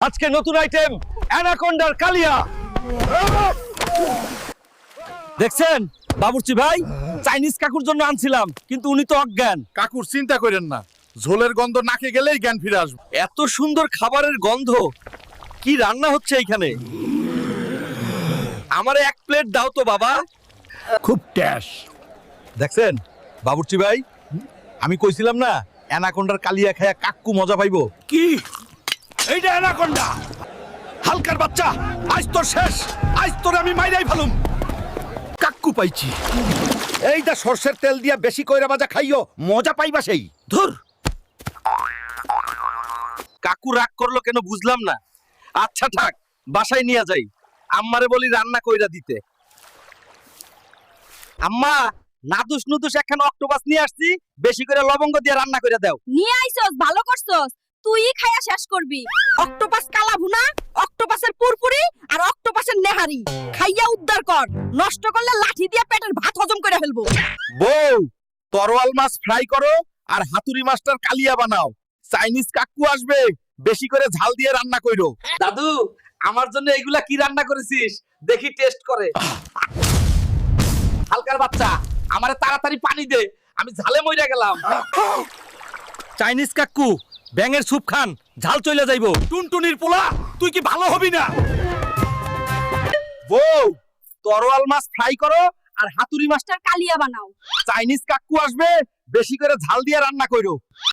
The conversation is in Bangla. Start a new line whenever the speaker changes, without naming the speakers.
আজকে নতুন আইটেম অ্যানাকোন্ডার কালিয়া। দেখছেন বাবুর্চি ভাই, চাইনিজ কাকুর জন্য আনছিলাম কিন্তু উনি তো অজ্ঞান।
কাকুর চিন্তা করেন না, ঝোলের গন্ধ নাকে গেলেই জ্ঞান ফিরে আসবে।
এত সুন্দর খাবারের গন্ধ, কি রান্না হচ্ছে এইখানে? আমারে এক প্লেট দাও তো বাবা।
খুব ট্যাশ।
দেখছেন বাবুর্চি ভাই, আমি কইছিলাম না অ্যানাকোন্ডার কালিয়া খায়া কাকু মজা পাইবো।
কি এইটা অ্যানাকোন্ডা? হালকার বাচ্চা, আজ তোর শেষ। আজ তোর আমি মাইরাই ফেলুম। কাকু পাইছি। এইটা সরষের তেল দিয়া বেশি কইরা ভাজা খাইও, মজা পাইবা সেই।
ধুর, কাকু রাগ করলো কেন বুঝলাম না। আচ্ছা থাক, বাসায় নিয়ে যাই, আম্মারে বলি রান্না কইরা দিতে। আম্মা, নাদুস নুদুস একখানা অক্টোপাস নিয়ে আসছি, বেশি করে লবঙ্গ দিয়ে রান্না কইরা দাও।
নিয়ে আইছস, ভালো করছস। তুই খাইয়া শেষ করবি। অক্টোপাস কালা ভুনা, অক্টোপাসের পুরপুরি আর অক্টোপাসের নেহারি খাইয়া উদ্ধার কর। নষ্ট করলে লাঠি দিয়ে পেটের ভাত হজম করে ফেলবো।
বউ, তরোয়াল মাছ ফ্রাই করো আর হাতুড়ি মাছটার কালিয়া বানাও। চাইনিজ কাকু আসবে, বেশি করে ঝাল দিয়ে রান্না কইরো।
দাদু, আমার জন্য এগুলা কি রান্না করেছিস? দেখি টেস্ট করে। হালকার বাচ্চা, আমারে তাড়াতাড়ি পানি দে, আমি ঝালে মইরা গেলাম। চাইনিজ কাকু, ব্যাঙের স্যুপ খান, ঝাল চলে যাইবো।
টুনটুনির পোলা, তুই কি ভালো হবি না?
বউ, তরোয়াল মাছ ফ্রাই করো আর হাতুড়ি মাছটা।
কালিয়া বানাও।
চাইনিজ কাকু আসবে, বেশি করে ঝাল দিয়ে রান্না কইরো।